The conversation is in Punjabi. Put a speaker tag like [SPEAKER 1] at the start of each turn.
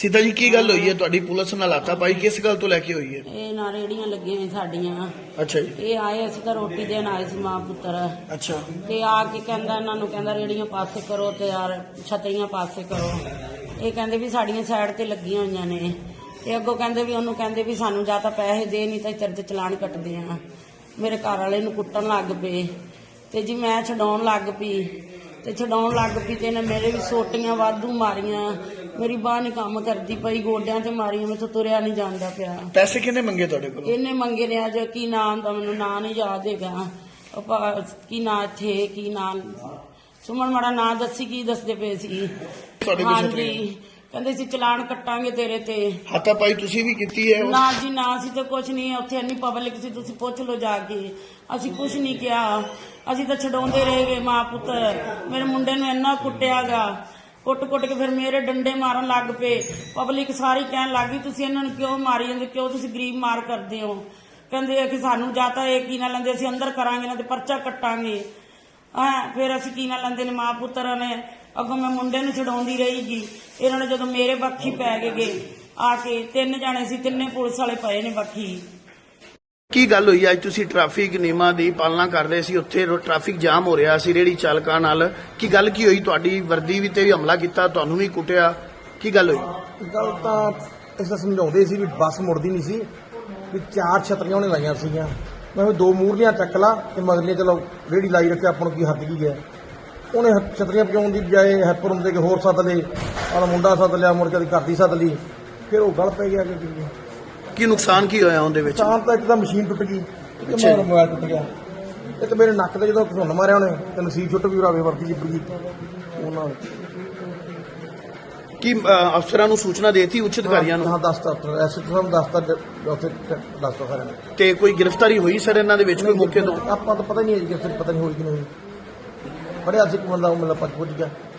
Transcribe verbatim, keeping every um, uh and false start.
[SPEAKER 1] सीता जी की गल हुई है तुहाडी पुलिस नाल हाथापाई किस गल तो लैके हुई है?
[SPEAKER 2] ਇਹ ਨਾ ਰੇੜੀਆਂ ਲੱਗੀਆਂ ਹੋਈਆਂ ਸਾਡੀਆਂ।
[SPEAKER 1] अच्छा जी।
[SPEAKER 2] ਇਹ ਆਏ ਅਸੀਂ ਤਾਂ ਰੋਟੀ ਦੇਣ ਆਏ ਸੀ ਮਾਂ ਪੁੱਤਰ।
[SPEAKER 1] अच्छा
[SPEAKER 2] ਤੇ ਆ ਕੇ ਕਹਿੰਦਾ ਇਹਨਾਂ ਨੂੰ ਕਹਿੰਦਾ ਰੇੜੀਆਂ ਪਾਸੇ ਕਰੋ ਤੇ ਯਾਰ ਛਤਰੀਆਂ ਪਾਸੇ ਕਰੋ। ਇਹ ਕਹਿੰਦੇ ਵੀ ਸਾਡੀਆਂ ਸਾਈਡ ਤੇ ਲੱਗੀਆਂ ਹੋਈਆਂ ਨੇ ਤੇ ਅੱਗੋਂ ਕਹਿੰਦੇ ਵੀ ਉਹਨੂੰ ਕਹਿੰਦੇ ਵੀ ਸਾਨੂੰ ਜਾਂ ਤਾਂ ਪੈਸੇ ਦੇ ਨਹੀਂ ਤਾਂ ਤੇਰੇ ਤੇ ਚਲਾਨ ਕੱਟਦੇ ਆ। ਮੇਰੇ ਘਰ ਵਾਲੇ ਨੂੰ ਕੁੱਟਣ ਲੱਗ ਪਏ ਤੇ ਜੀ ਮੈਂ ਛਡਾਉਣ ਲੱਗ ਪਈ ਤੇ ਛਡਾਉਣ ਲੱਗ ਪਈ ਤੇ ਇਹਨੇ ਮੇਰੇ ਵੀ ਸੋਟੀਆਂ ਵਾਧੂ ਮਾਰੀਆਂ। ਮੇਰੀ ਬਾਹ ਨਹੀਂ ਕੰਮ ਕਰਦੀ ਪਈ, ਗੋਡਿਆਂ ਤੇ ਮਾਰੀਆਂ, ਮੈਥੋਂ ਤੁਰਿਆ ਨਹੀਂ ਜਾਂਦਾ ਪਿਆ।
[SPEAKER 1] पैसे किन्ने मंगे तुहाडे कोल?
[SPEAKER 2] ਇਹਨੇ ਮੰਗੇ ਨੇ ਅੱਜ ਕੀ ਨਾਮ ਦਾ ਮੈਨੂੰ ਨਾਂ ਨਹੀਂ ਯਾਦ ਹੈਗਾ। ਉਹ ਭਾ- ਕੀ ਨਾਂ ਇੱਥੇ ਕੀ ਨਾਂ ਸੁਮਨ ਮਾੜਾ ਨਾਂ ਦੱਸੀ ਕੀ ਦੱਸਦੇ ਪਏ ਸੀ।
[SPEAKER 1] ਤੁਹਾਡੇ ਕੋਲ
[SPEAKER 2] ਹਾਂਜੀ ਕਹਿੰਦੇ ਸੀ ਚਲਾਨ ਕੱਟਾਂਗੇ ਤੇਰੇ ਤੇ।
[SPEAKER 1] हाथापाई तुसी भी कीती है?
[SPEAKER 2] ਨਾ ਜੀ ਨਾ ਅਸੀਂ ਤਾਂ ਕੁਝ ਨਹੀਂ, ਉੱਥੇ ਇੰਨੀ ਪਬਲਿਕ ਸੀ ਤੁਸੀਂ ਪੁੱਛ ਲਓ ਜਾ ਕੇ। ਅਸੀਂ ਕੁਝ ਨਹੀਂ ਕਿਹਾ, ਅਸੀਂ ਤਾਂ ਛਡਾਉਂਦੇ ਰਹੇ ਗਏ ਮਾਂ ਪੁੱਤ। ਮੇਰੇ ਮੁੰਡੇ ਨੂੰ ਇੰਨਾ ਕੁੱਟਿਆਗਾ, ਕੁੱਟ ਕੁੱਟ ਕੇ ਫਿਰ ਮੇਰੇ ਡੰਡੇ ਮਾਰਨ ਲੱਗ ਪਏ। ਪਬਲਿਕ ਸਾਰੀ ਕਹਿਣ ਲੱਗ ਗਈ ਤੁਸੀਂ ਇਹਨਾਂ ਨੂੰ ਕਿਉਂ ਮਾਰੀ ਜਾਂਦੇ, ਕਿਉਂ ਤੁਸੀਂ ਗਰੀਬ ਮਾਰ ਕਰਦੇ ਹੋ। ਕਹਿੰਦੇ ਆ ਕਿ ਸਾਨੂੰ ਜਾਂ ਤਾਂ ਇਹ ਕੀ ਨਾ ਲੈਂਦੇ ਅਸੀਂ ਅੰਦਰ ਕਰਾਂਗੇ ਨਾ ਤੇ ਪਰਚਾ ਕੱਟਾਂਗੇ। ਹਾਂ ਫਿਰ ਅਸੀਂ ਕੀ ਨਾ ਲੈਂਦੇ ਨੇ ਮਾਂ ਪੁੱਤਰਾਂ ਨੇ। ਅੱਗੋਂ ਮੈਂ ਮੁੰਡੇ ਨੂੰ ਛਡਾਉਂਦੀ ਰਹੀਗੀ, ਇਹਨਾਂ ਨੇ ਜਦੋਂ ਮੇਰੇ ਬੱਖੀ ਪੈ ਗਏ ਆ ਕੇ ਤਿੰਨ ਜਾਣੇ ਸੀ, ਤਿੰਨੇ ਪੁਲਿਸ ਵਾਲੇ ਪਏ ਨੇ ਬੱਖੀ।
[SPEAKER 1] ਕੀ ਗੱਲ ਹੋਈ ਅੱਜ ਤੁਸੀਂ ਟ੍ਰੈਫਿਕ ਨਿਯਮਾਂ ਦੀ ਪਾਲਣਾ ਕਰ ਰਹੇ ਸੀ, ਉੱਥੇ ਟ੍ਰੈਫਿਕ ਜਾਮ ਹੋ ਰਿਹਾ ਸੀ ਰੇੜੀ ਚਾਲਕਾਂ ਨਾਲ, ਕੀ ਗੱਲ ਕੀ ਹੋਈ? ਤੁਹਾਡੀ ਵਰਦੀ ਵੀ ਤੇ ਵੀ ਹਮਲਾ ਕੀਤਾ, ਤੁਹਾਨੂੰ ਵੀ ਕੁੱਟਿਆ, ਕੀ ਗੱਲ ਹੋਈ?
[SPEAKER 3] ਗੱਲ ਤਾਂ ਇਸ ਤਰ੍ਹਾਂ ਸਮਝਾਉਂਦੇ ਸੀ ਵੀ ਬੱਸ ਮੁੜਦੀ ਨਹੀਂ ਸੀ, ਵੀ ਚਾਰ ਛਤਰੀਆਂ ਉਹਨੇ ਲਾਈਆਂ ਸੀਗੀਆਂ। ਮੈਂ ਕਿਹਾ ਦੋ ਮੂਹਰਲੀਆਂ ਚੱਕ ਲਾ ਤੇ ਮਗਰਲੀਆਂ ਚਲੋ ਰੇੜੀ ਲਾਈ ਰੱਖਿਆ, ਆਪਾਂ ਨੂੰ ਕੀ ਹੱਦ ਕੀ ਹੈ। ਉਹਨੇ ਛਤਰੀਆਂ ਪਜਾਉਣ ਦੀ ਬਜਾਏ ਹੈਪਰ ਹੁੰਦੇ ਕਿ ਹੋਰ ਸੱਦ ਲਏ, ਆਹ ਮੁੰਡਾ ਸੱਦ ਲਿਆ, ਮੁੜ ਕੇ ਘਰ ਦੀ ਸੱਦ ਲਈ, ਫਿਰ ਉਹ ਗਲ ਪੈ ਗਿਆ। ਕਿ
[SPEAKER 1] ਕੀ ਨੁਕਸਾਨ ਕੀ ਹੋਇਆ ਉਹਦੇ ਵਿੱਚ?
[SPEAKER 3] ਨੁਕਸਾਨ ਤਾਂ ਇੱਕ ਤਾਂ ਮਸ਼ੀਨ ਟੁੱਟ ਗਈ, ਇੱਕ ਮੇਰਾ ਮੋਬਾਈਲ ਟੁੱਟ ਗਿਆ, ਇੱਕ ਮੇਰੇ ਨੱਕ ਤੇ ਜਦੋਂ ਘੁੰਨ ਮਾਰਿਆ ਉਹਨੇ ਤੇ ਨਸੀਬ ਛੁੱਟ ਵੀ ਰਾਵੇ ਵਰਦੀ ਜਿੱਪ ਗਈ ਉਹਨਾਂ ਨੇ।
[SPEAKER 1] ਕੀ ਅ, ਅਫਸਰਾਂ ਨੂੰ ਸੂਚਨਾ ਦੇਤੀ ਉੱਚ ਅਧਿਕਾਰੀਆਂ ਨੂੰ?
[SPEAKER 3] ਹਾਂ ਦੱਸਤਾ, ਐਸ ਐਚ ਓ ਸਾਹਿਬ ਦੱਸਤਾ, ਉੱਥੇ ਦੱਸਤਾ ਸਾਰਿਆਂ ਨੇ।
[SPEAKER 1] ਤੇ ਕੋਈ ਗ੍ਰਿਫਤਾਰੀ ਹੋਈ ਸਰ ਇਹਨਾਂ ਦੇ ਵਿੱਚ ਕੋਈ ਮੌਕੇ ਤੋਂ?
[SPEAKER 3] ਆਪਾਂ ਤਾਂ ਪਤਾ ਨਹੀਂ ਹੈ ਜੀ, ਪਤਾ ਨਹੀਂ ਹੋਈ ਕਿ ਨਹੀਂ ਹੋਈ। ਬੜੇ ਅੱਜ ਇੱਕ ਬੰਦਾ ਉਹ ਮਤਲਬ ਪੱਜ ਪੁੱਜ ਗਿਆ।